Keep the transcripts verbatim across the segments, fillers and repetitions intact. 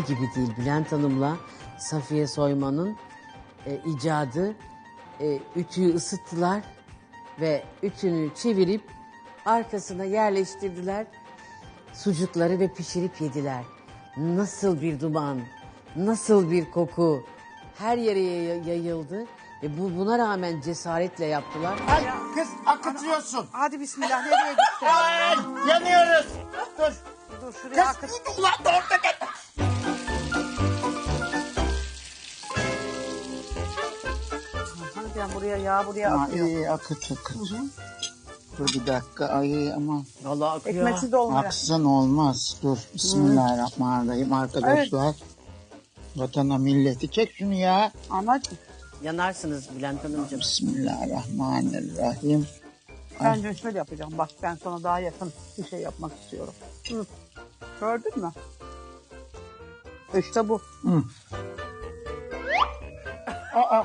gibi değil. Bülent Hanım'la Safiye Soyman'ın e, icadı. E, ütüyü ısıttılar ve ütünü çevirip arkasına yerleştirdiler. Sucukları ve pişirip yediler. Nasıl bir duman, nasıl bir koku her yere yay- yayıldı. Ve bu buna rağmen cesaretle yaptılar. Ay kız akıtıyorsun. Hadi bismillah, nereye gittin? Ay yanıyoruz. Dur. Dur şuraya Kız akıt. ulan orada gel. Hani ben buraya yağ buraya Aa, akıyor. iyi akıt akıt. Dur bir dakika ay aman. Vallahi akıyor. Ekmeksiz de olmuyor. Aksın olmaz. Dur. Bismillahirrahmanirrahim arkadaşlar. Vatana milleti çek şunu ya. Anacığım. Yanarsınız Bülent Hanımcığım. Bismillahirrahmanirrahim. Ben de şöyle yapacağım. Bak ben sana daha yakın bir şey yapmak istiyorum. Hı. Gördün mü? İşte bu. Hı. Aa,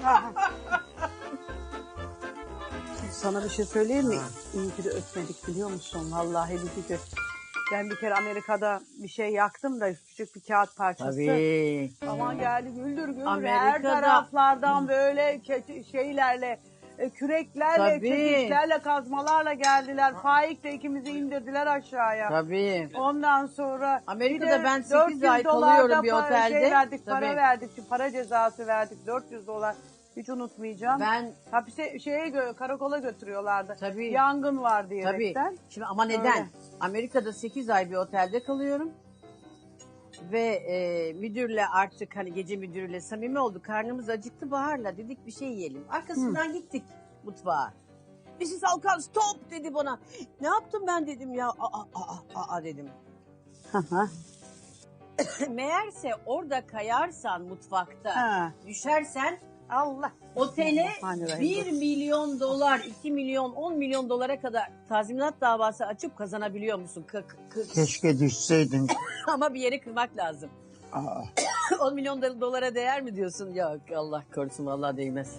Sana bir şey söyleyeyim mi? İyi ki de ötmedik biliyor musun? Vallahi bir ki. Ben bir kere Amerika'da bir şey yaktım da küçük bir kağıt parçası. Tabii. Aman geldi güldür güldür. Her Amerika'da- taraflardan böyle ke- şeylerle, e, küreklerle, Tabii. çekiçlerle, kazmalarla geldiler. Faik de ikimizi indirdiler aşağıya. Tabii. Ondan sonra Amerika'da bir de ben sekiz dört yüz ay dolar kalıyorum da bir para- otelde. Şey verdik, Tabii. para verdik, para cezası verdik. dört yüz dolar. Hiç unutmayacağım. Ben Hapise şeye gö- karakola götürüyorlardı. Tabii. Yangın var tabii. diyerekten. Şimdi ama neden? Öyle. Amerika'da sekiz ay bir otelde kalıyorum. Ve e, müdürle artık hani gece müdürüyle samimi olduk. Karnımız acıktı Bahar'la. Dedik bir şey yiyelim. Arkasından gittik mutfağa. Missus Alkan stop dedi bana. Ne yaptım ben dedim ya. Aa, aa, aa, aa dedim. Hı hı. Meğerse orada kayarsan mutfakta, Ha. düşersen Allah. otele Bismillahirrahmanirrahim. bir milyon dolar, iki milyon, on milyon dolara kadar tazminat davası açıp kazanabiliyor musun? K- k- k- keşke düşseydin. Ama bir yeri kırmak lazım. Aa, on milyon do- dolara değer mi diyorsun? Yok Allah korusun vallahi değmez.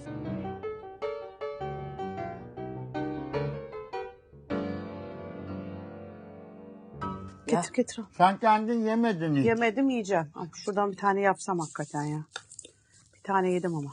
Ya. Getir getir. sen kendin yemedin hiç. Yemedim yiyeceğim. Ay, şuradan bir tane yapsam hakikaten ya. Bir tane yedim ama.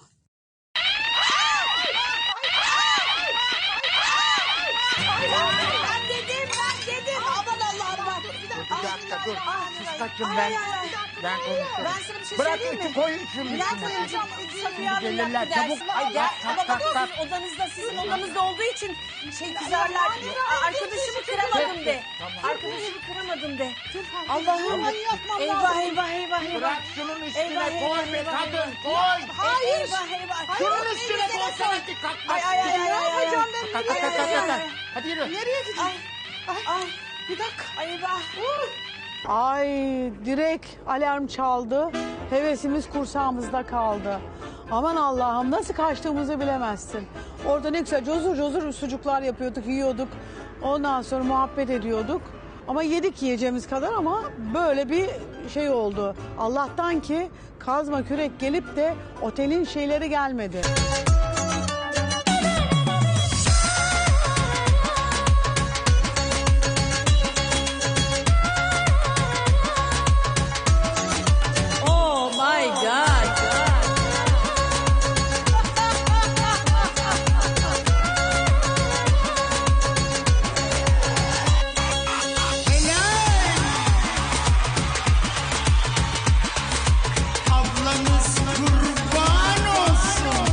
Ben dedim ben dedim. Aman Allah'ım bak. Bir dakika dur. Sus kaçın ben. Ben konuşurum. Ben sana bir şey Bırak söyleyeyim mi? ütü koyun şunun Bülent üstüne. Hanımcığım, Safiye Hanım gelirler, yaptı çabuk. dersimi Ay, ama, kalk, ama kalk, bak o kalk. sizin odanızda, sizin odanızda olduğu için şey kızarlar. Aa, Arkadaşımı kıramadım de. Arkadaşımı kıramadım de. Allah'ım. Eyvah eyvah eyvah eyvah. Bırak şunun üstüne Eyvah, koy eyvah, be eyvah, kadın eyvah. koy. Hayır. Eyvah eyvah. Şunun üstüne koysana ki kalkmaz. Ay ay ay ay. Ne yapacağım ben? Kalk kalk kalk kalk, kalk. Hadi yürü. Nereye gideyim? Ay bir dakika. Ay eyvah. Ay direkt alarm çaldı. Hevesimiz kursağımızda kaldı. Aman Allah'ım nasıl kaçtığımızı bilemezsin. Orada ne güzel cozur cozur sucuklar yapıyorduk, yiyorduk. Ondan sonra muhabbet ediyorduk. Ama yedik yiyeceğimiz kadar ama böyle bir şey oldu. Allah'tan ki kazma kürek gelip de otelin şeyleri gelmedi. Oh my God. Ablanız kurban olsun.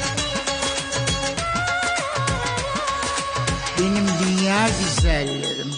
Benim dünya güzellerim.